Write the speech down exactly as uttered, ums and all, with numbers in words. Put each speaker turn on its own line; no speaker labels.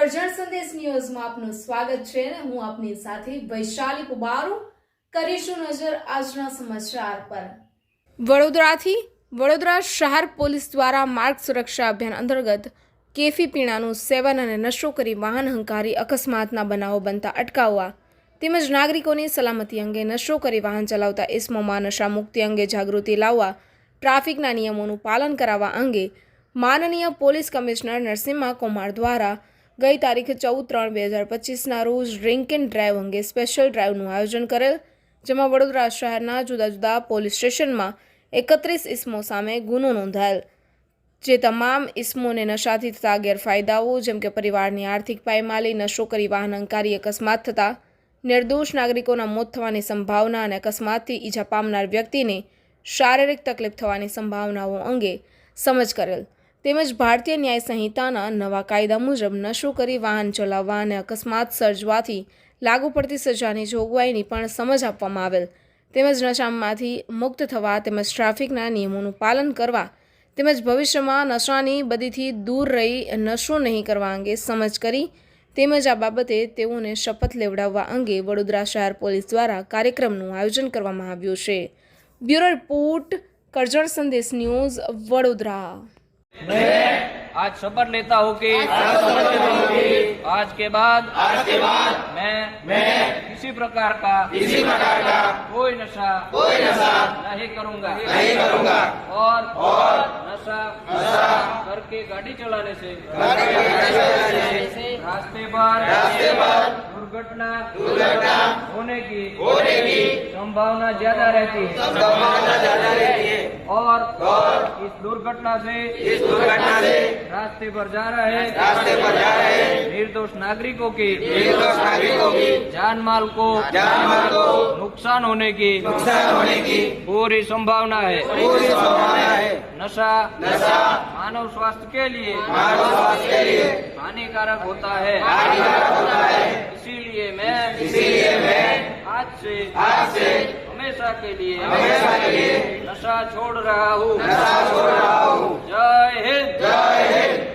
કરજણ સંદેશ ન્યૂઝમાં આપનું સ્વાગત છે અને હું આપની સાથે વૈશાલી પુબારુ કરીશું નજર આજના સમાચાર પર। વડોદરાથી વડોદરા શહેર પોલીસ દ્વારા માર્ગ સુરક્ષા અભિયાન અંતર્ગત કેફી પીણાનું સેવન અને નશો કરી વાહન હંકારી અકસ્માતના બનાવો બનતા અટકાવવા તેમજ નાગરિકોની સલામતી અંગે નશો કરી વાહન ચલાવતા ઇસમોમાં નશા મુક્તિ અંગે જાગૃતિ લાવવા ટ્રાફિકના નિયમોનું પાલન કરાવવા અંગે માનનીય પોલીસ કમિશનર નરસિમ્હા કુમાર દ્વારા ગઈ તારીખ ચૌદ ત્રણ બે હજાર પચીસના રોજ ડ્રિંક એન્ડ ડ્રાઈવ અંગે સ્પેશિયલ ડ્રાઈવનું આયોજન કરેલ, જેમાં વડોદરા શહેરના જુદા જુદા પોલીસ સ્ટેશનમાં એકત્રીસ ઇસમો સામે ગુનો નોંધાયેલ, જે તમામ ઇસમોને નશાથી થતા ગેરફાયદાઓ જેમ કે પરિવારની આર્થિક પાયમાલી, નશો કરી વાહન અંકારી અકસ્માત થતા નિર્દોષ નાગરિકોના મોત થવાની સંભાવના અને અકસ્માતથી ઈજા પામનાર વ્યક્તિને શારીરિક તકલીફ થવાની સંભાવનાઓ અંગે સમજ કરેલ, તેમજ ભારતીય ન્યાય સંહિતાના નવા કાયદા મુજબ નશો કરી વાહન ચલાવવા અને અકસ્માત સર્જવાથી લાગુ પડતી સજાની જોગવાઈની પણ સમજ આપવામાં આવેલ, તેમજ નશામાંથી મુક્ત થવા તેમજ ટ્રાફિકના નિયમોનું પાલન કરવા તેમજ ભવિષ્યમાં નશાની બદીથી દૂર રહી નશો નહીં કરવા અંગે સમજ કરી તેમજ આ બાબતે તેઓને શપથ લેવડાવવા અંગે વડોદરા શહેર પોલીસ દ્વારા કાર્યક્રમનું આયોજન કરવામાં આવ્યું છે। બ્યુરો રિપોર્ટ, કરજણ સંદેશ न्यूज, वडोदरा।
मैं आज शपथ लेता हूँ कि आज के बाद आज के बाद मैं मैं किसी प्रकार का किसी प्रकार का कोई नशा कोई नशा नहीं करूँगा नहीं करूँगा और और नशा नशा करके गाड़ी चलाने से रास्ते पर रास्ते पर दुर्घटना दुर्घटना होने की होने की संभावना ज्यादा रहती है संभावना ज्यादा रहती है और और इस दुर्घटना से इस दुर्घटना से रास्ते पर जा रहे रास्ते पर जा रहे निर्दोष नागरिकों की निर्दोष नागरिकों की जान माल को जान माल को नुकसान होने की नुकसान होने की पूरी संभावना है पूरी संभावना है। नशा नशा मानव स्वास्थ्य के लिए मानव स्वास्थ्य के लिए हानिकारक होता है हानिकारक होता है इसीलिए मैं इसीलिए मैं आज से आज से हमेशा के लिए हमेशा के लिए नशा छोड़ रहा हूँ नशा छोड़ रहा हूँ। जय हिंद जय हिंद।